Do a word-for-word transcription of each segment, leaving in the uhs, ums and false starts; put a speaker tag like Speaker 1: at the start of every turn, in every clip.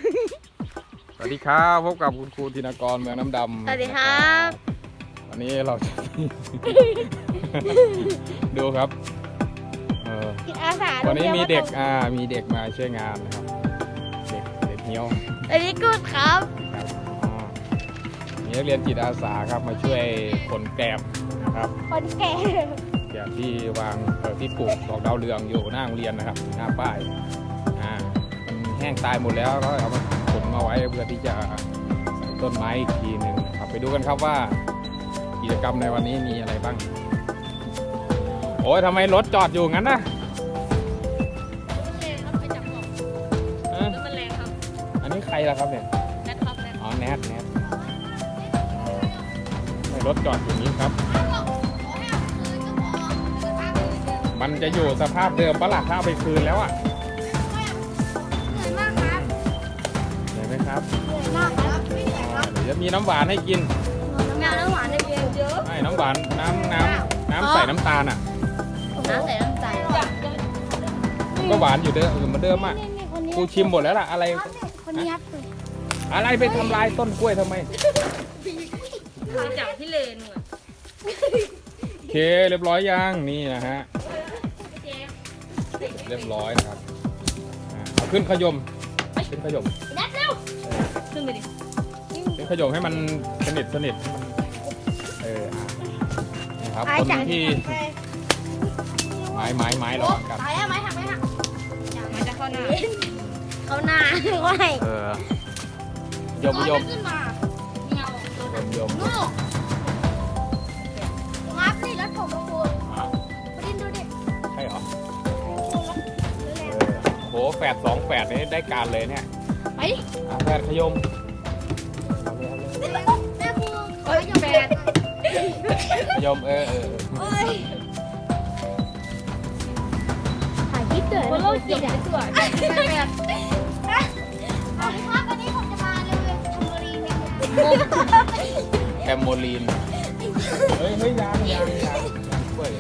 Speaker 1: สวัสดีครับพบกับคุณครูธินกรเมืองน้ำดำ
Speaker 2: สวัสดีครับ
Speaker 1: วันนี้เราจะ ดูครับ
Speaker 2: จิตอาสา
Speaker 1: วันนี้มีเด็กอ่ามีเด็กมาช่วยงานนะครับเด็กเด็กเหี้ยว
Speaker 2: สวัสดีกูดครับ
Speaker 1: ครับอ๋อมีนักเรียนจิตอาสาครับมาช่วยคนแกลบนะครับ
Speaker 2: คนแก่
Speaker 1: แกลบที่วางเอ่อที่ปลูกดอกดาวเรืองอยู่หน้าโรงเรียนนะครับหน้าป้ายอ่ามันแห้งตายหมดแล้วก็เอามาขนมาไว้เพื่อที่จะใส่ต้นไม้อีกทีหนึ่งครับไปดูกันครับว่ากิจกรรมในวันนี้มีอะไรบ้างโอ้ยทำไมรถจอดอยู่งั้นนะ
Speaker 2: แรงครับไปจับกล่อง
Speaker 1: เอ้ย
Speaker 2: แล้วมันแรงครับ
Speaker 1: อันนี้ใครล่ะครับเนี่ย
Speaker 2: แนทครับแนท
Speaker 1: อ๋อแนทแนททำไมรถจอดอย่างนี้ครับ มันจะอยู่สภาพเดิมปะล่ะถ้าเอาไปคืนแล้วอ่ะ
Speaker 2: เหนื่อยมากครับ
Speaker 1: เห็นไหมครับ
Speaker 2: เหนื่อยมากครับไม่เหนื่อยครับ
Speaker 1: เดี๋ยวจะมีน้ำหวานให้กิน
Speaker 2: แมวน้ำหวานในเบียร์เยอะ
Speaker 1: ใช่น้ำหวานน้ำน้ำน้ำใส่น้ำตาลอ่ะ
Speaker 2: น้ำใส่น้ำตาล
Speaker 1: ก็หวานอยู่เดิมเหมือนเดิมอ่ะกูชิมหมดแล้วล่ะอะไร
Speaker 2: คนนี้ครับ
Speaker 1: อะไรไปทำลายต้นกล้วยทำไม
Speaker 2: ไปจับที่เลนอ่ะ
Speaker 1: โอเคเรียบร้อยยังนี่นะฮะเรียบร้อยนะครับอ่าเอาขึ้นขยมขึ้นขยม
Speaker 2: แนทเร็วขึ้นไปดิ
Speaker 1: ขึ้นขยมให้มันสนิทสนิทให้มันเอออ่ะนี่ครับคนที่ไม้ไม้ไม้รอกัน
Speaker 2: ตายแล้วไหมหักไหมหักมันจะเข้าหน้าเข้าหน้าไม่
Speaker 1: เออโยมโยม
Speaker 2: ขึ้นมาเงา
Speaker 1: โยมโยม
Speaker 2: ลูกงับนี่รถผมมาคุณ
Speaker 1: อ่ะ
Speaker 2: ดินดูดิ
Speaker 1: ใช่เหรอเออโหแฝดสองแฝดนี่ได้การเลยเนี่ย
Speaker 2: ไป
Speaker 1: อ่ะแฝดขยม
Speaker 2: แม่พูเอ้ยแปด
Speaker 1: ขยมเออเออ
Speaker 2: เอ้ยถ่ายคลิปเกิดมันโลดจิตอ่ะสวยแปดแปดแปดสวัสดีครับวันนี้ผมจะมาเรียนทำบรีเนี่ย
Speaker 1: แคมโมลีนเฮ้ยเฮ้ยยางยางยางยางกล้วย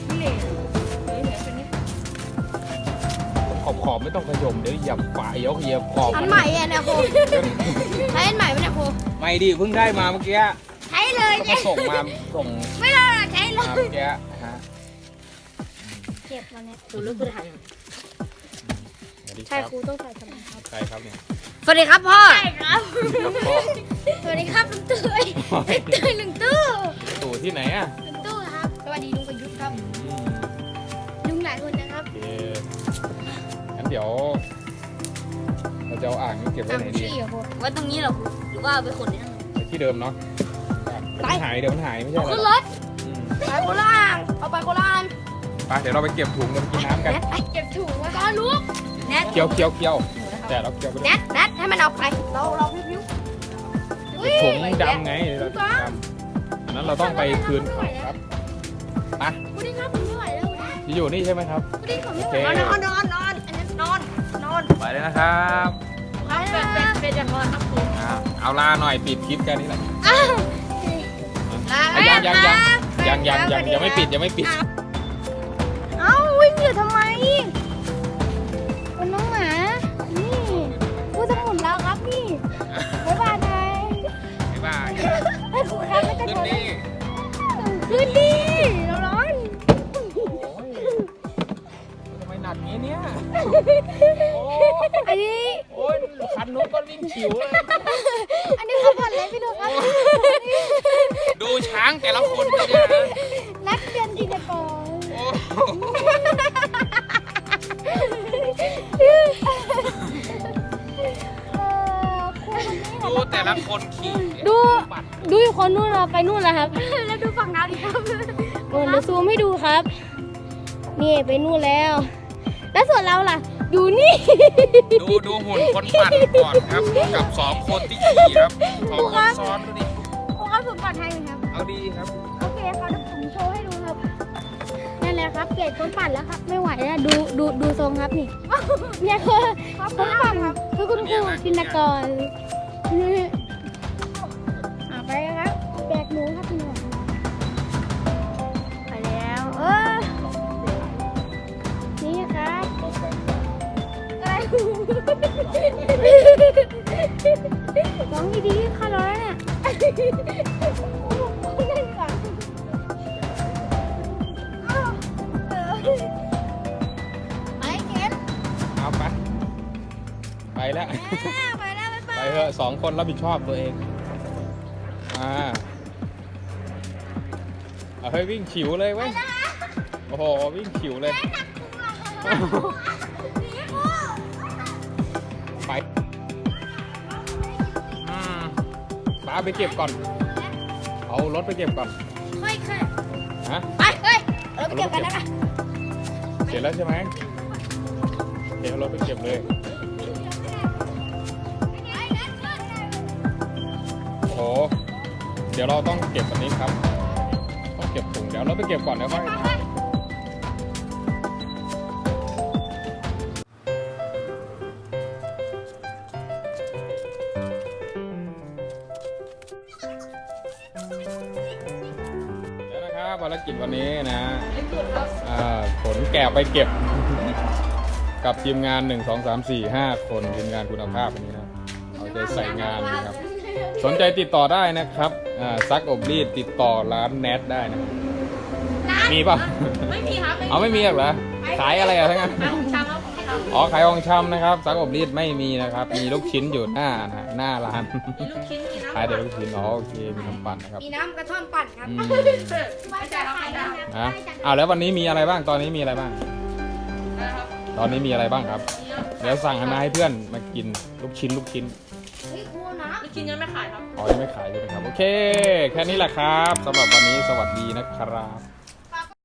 Speaker 1: ขอบขอบไม่ต้องขยมเดี๋ยวเหยียบฝายยกเหยียบขอบ
Speaker 2: อันใหม่อ่ะเนี่ยครูใช้อันใหม่ไหมเนี่ยครู
Speaker 1: ไม่ดิเพิ่งได้มาเมื่อกี้
Speaker 2: ใช้เลย
Speaker 1: ก็
Speaker 2: เนี่
Speaker 1: มาย ส่งมาส่ง
Speaker 2: ไม่ได้ใช้เล
Speaker 1: มาย เมื่อกี้ฮะ
Speaker 2: เก็บมาเนี่ยดูลูกคือถ่าย
Speaker 1: สวัสดีค
Speaker 2: ใช่
Speaker 1: รับ
Speaker 2: ครูต้องถ่ายทำไมครับ
Speaker 1: ใครครับเนี่ย
Speaker 2: สวัสดีครับพ่อใช่ครับ
Speaker 1: ครับพ่อ
Speaker 2: สวัสดีครับลุงตุ้ยลุงตุ้ยลุงตู้
Speaker 1: ตู่ที่ไหนอ่ะ
Speaker 2: ลุงตู้ครับสวัสดีลุงประยุทธ์ครับ
Speaker 1: อืม
Speaker 2: ลุงหลายคนนะครับ
Speaker 1: โอเคงั้นเดี๋ยวเราจะเอาอ่างนี้เก็บไว้ไหนดี
Speaker 2: ขี้เหรอครูไว้ตรงนี้เหรอครูหรือว่าเอาไปขนที่นั่น
Speaker 1: ไว้ที่เดิมเนาะเดี๋ยวมันหายเดี๋ยวมันหายไม่ใช่เหร
Speaker 2: ขึ้น
Speaker 1: อ
Speaker 2: รถ
Speaker 1: อืม
Speaker 2: ไปโคราชเอาไปโคราช
Speaker 1: ไปเดี๋ยวเราไปเก็บถุงกันกินน้ำกัน
Speaker 2: แนทไปเก็บถุงไว้ก่อนลูกแนท
Speaker 1: เคี้ยวเคี้ยวเคี้ยวแต่เราเคี้ยวไป
Speaker 2: แน
Speaker 1: ด้วย
Speaker 2: ทแนทให้มันออกไปเราเราพิ้วๆ
Speaker 1: ถุงดำไงเราถุงดำอันนั้นเราต้องไปคืนเขาครับไป
Speaker 2: พุดดิ้งครับผมไม่ไหวแล้วพุดดิ้ง
Speaker 1: ที่อยู่นี่ใช่ไหมครับ
Speaker 2: พุดดิ้งผมไม่ไหว
Speaker 1: โอเค
Speaker 2: นอนนอนนอนอันนั้นนอนนอน
Speaker 1: ไปเลยนะครับ
Speaker 2: ครับเป็นเป็นเป็นจะนอนครับครู
Speaker 1: อ่าเอาลาหน่อยปิดคลิปกันนี่แหละ
Speaker 2: ลา
Speaker 1: อ่ะยังยังยังยังยังยังยังไม่ปิดยังไม่ปิด
Speaker 2: เอ้าวิ่งอยู่ทำไมเป็นน้องหมานี่ผู้สมุนแล้วครับนี่บ๊ายบายนาย
Speaker 1: บ๊ายบาย
Speaker 2: ไอ้ครูครับไม่กระ
Speaker 1: ขึ้
Speaker 2: โด
Speaker 1: น
Speaker 2: ด
Speaker 1: นี่
Speaker 2: ขึ้นดิเราร้อน
Speaker 1: โอ้ยทำไมหนักงี้เนี่ยโอ้
Speaker 2: อันนี้
Speaker 1: โอ้ยคันนู้นก็วิ่งฉิวเลย
Speaker 2: อันนี้เขาผ่อนเลยพี่ดูครับ
Speaker 1: ดูช้างแต่ละคนเลยเนี่ยนะ
Speaker 2: นักเรียนจิตรกร
Speaker 1: โอ้
Speaker 2: เอ่อครูคนนี้
Speaker 1: ดูแต่ละคนขี่
Speaker 2: ดู
Speaker 1: ปัด
Speaker 2: ดูอยู่คนนู้นเราไปนู่นแล้วครับ แล้วดูฝั่งน้ำดิครับโอ้เดี๋ยวซูมให้ดูครับ นี่ไปนู่นแล้ว แล้วส่วนเราล่ะ อยู่นี่
Speaker 1: ดูดูหุ่นคนปั่นก่อนครับกับสองคนที่ขี่ครับสองคนซ้อนดูดิ
Speaker 2: ครูครับผมปลอดภัยไหมครับ
Speaker 1: เอาดีครับ
Speaker 2: โอเคครับเดี๋ยวผมโชว์ให้ดูครับ นั่นแหละครับเกรดคนปั่นแล้วครับ ไม่ไหวแล้วดูดูดูทรงครับนี่ เนี่ยคือคนปั่นครับคือคุณครูจินตกรอ่ะไปครับแบกหนูครับพี่หนูไปแล้วเออนี่ครับอะไรเล่นก่อนอ้าวเออไปเก็บ
Speaker 1: เอาไปไปแล้ว
Speaker 2: อ่าไปแล้วไป
Speaker 1: ไปเถอะสองคนรับผิดชอบตัวเองอ่าเอาเฮ้ยวิ่งฉิวเลยเว้ยโอ้โหวิ่งฉิวเลยไปอืมป้าไปเก็บก่อนเอารถไปเก็บก่อน
Speaker 2: เฮ้ยเคย
Speaker 1: ฮะ
Speaker 2: ไปเฮ้ยเราไปเก็บกันนะคะ
Speaker 1: เสร็จแล้วใช่ไหมเดี๋ยวเอารถไปเก็บเลยโอ้โหเดี๋ยวเราต้องเก็บอันนี้ครับต้องเก็บถุงเดี๋ยวเราไปเก็บก่อนเดี๋ยวค่อยเดี๋ยวนะครับภารกิจวันนี้นะอ่าขนแกะไปเก็บ กับทีมงานหนึ่ง สอง สาม สี่ ห้าคนทีมงานคุณภาพวันนี้นะเอาใจใส่งานนะครับสนใจติดต่อได้นะครับอ่าซักอบรีดติดต่อร้านแนทได้นะมีป่ะ
Speaker 3: ไม่มีครับ
Speaker 1: เอาไม่มีหรอกเหรอขายอะไรอะทั้งนั้น
Speaker 3: ขายของชำครับของชำ
Speaker 1: อ๋อขายของชำนะครับซักอบรีดไม่มีนะครับมีลูกชิ้นอยู่หน้านะหน้าร้าน
Speaker 3: มีลูกชิ้นมีน้ำ
Speaker 1: ขายแต่ลูกชิ้นอ๋อโอเคมีน้ำปั่นนะครับ
Speaker 3: มีน้ำกระท่อมปั่นครับ
Speaker 1: อืม
Speaker 3: ไม่ใช่ครับไม่ใช่ครับ
Speaker 1: นะอ้าวแล้ววันนี้มีอะไรบ้างตอนนี้มีอะไรบ้าง
Speaker 3: นะครับ
Speaker 1: ตอนนี้มีอะไรบ้างครับ
Speaker 3: มีครับ
Speaker 1: เดี๋ยวสั่งให้มาให้เพื่อนมากินลูกชิ้นลูกชิ้น
Speaker 2: เฮ้ยครูนะ
Speaker 3: ลูกชิ้นยังไม่ขายครับ
Speaker 1: อ๋อยังไม่ขายใช่ไหมครับ โอเค แค่นี้แหละครับสำหรับวันนี้สวัสดีนะครับ